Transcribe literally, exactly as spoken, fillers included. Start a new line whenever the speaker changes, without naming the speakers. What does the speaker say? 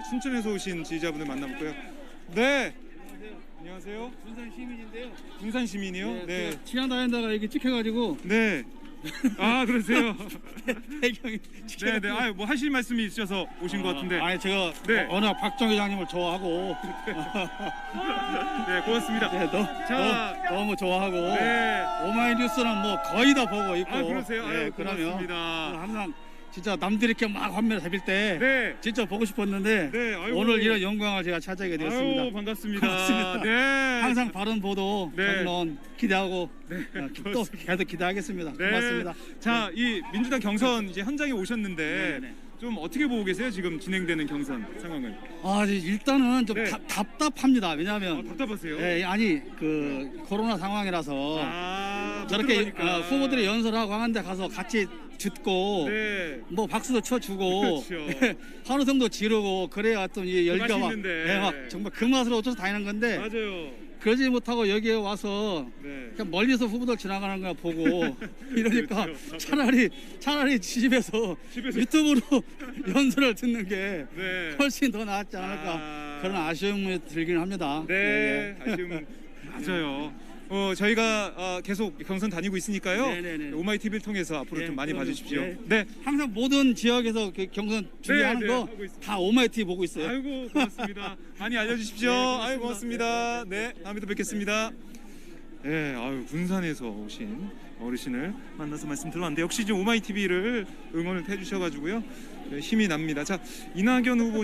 춘천에서 오신 지지자분들 만나볼까요? 네. 안녕하세요.
군산 시민인데요.
군산 시민이요?
네.
네.
그 치안 다닌다가 이게 찍혀가지고
네. 아 그러세요?
배경이
네, 네. 아, 뭐 하실 말씀이 있으셔서 오신 것 같은데.
아니 제가
네.
어, 워낙 박정 회장님을 좋아하고
네, 고맙습니다.
네, 너,
자.
너, 너무 좋아하고
네.
오마이뉴스는 뭐 거의 다 보고 있고.
아, 그러세요?
네,
아유,
그러면
고맙습니다.
항상 진짜 남들이 이렇게 막 화면을 잡힐 때
네.
진짜 보고 싶었는데
네, 아이고.
오늘 이런 영광을 제가 차지하게 되었습니다.
아유, 반갑습니다.
반갑습니다.
네.
항상 바른 보도,
네.
평론 기대하고
네,
어, 또 계속 기대하겠습니다.
네.
고맙습니다.
자, 이 민주당 경선 이제 현장에 오셨는데
네, 네.
좀 어떻게 보고 계세요? 지금 진행되는 경선 상황을.
아, 일단은 좀
네.
답- 답답합니다. 왜냐하면
아, 답답하세요?
예, 아니 그 코로나 상황이라서
아, 못
저렇게
들어가니까.
어, 후보들이 연설하고 하는데 가서 같이 듣고
네.
뭐 박수도 쳐주고
그렇죠.
환호성도 지르고 그래야 또 이 열기가
맛이
막,
있는데.
예, 막 정말 그 맛으로 어쩌서 다니는 건데
맞아요.
그러지 못하고 여기에 와서
네.
그냥 멀리서 후보들 지나가는 거 보고 이러니까
그렇죠.
차라리 차라리 집에서,
집에서.
유튜브로 연설을 듣는 게
네.
훨씬 더 낫지 않을까
아.
그런 아쉬움이 들긴 합니다.
네.
예, 예.
아쉬움. 맞아요. 어, 저희가 어, 계속 경선 다니고 있으니까요.
네, 네, 네.
오마이 티비를 통해서 앞으로
네,
좀 많이
그럼요.
봐주십시오.
네.
네.
항상 모든 지역에서 그 경선 준비하는
네,
거
하고 있습니다.
다 오마이티 보고 있어요.
아이고 고맙습니다. 많이 알려주십시오.
네, 고맙습니다.
아유 고맙습니다. 네, 다음에 또 뵙겠습니다. 네, 아유 군산에서 오신 어르신을 만나서 말씀 들었는데 역시 이제 오마이 티비를 응원을 해주셔가지고요 네, 힘이 납니다. 자, 이낙연 후보.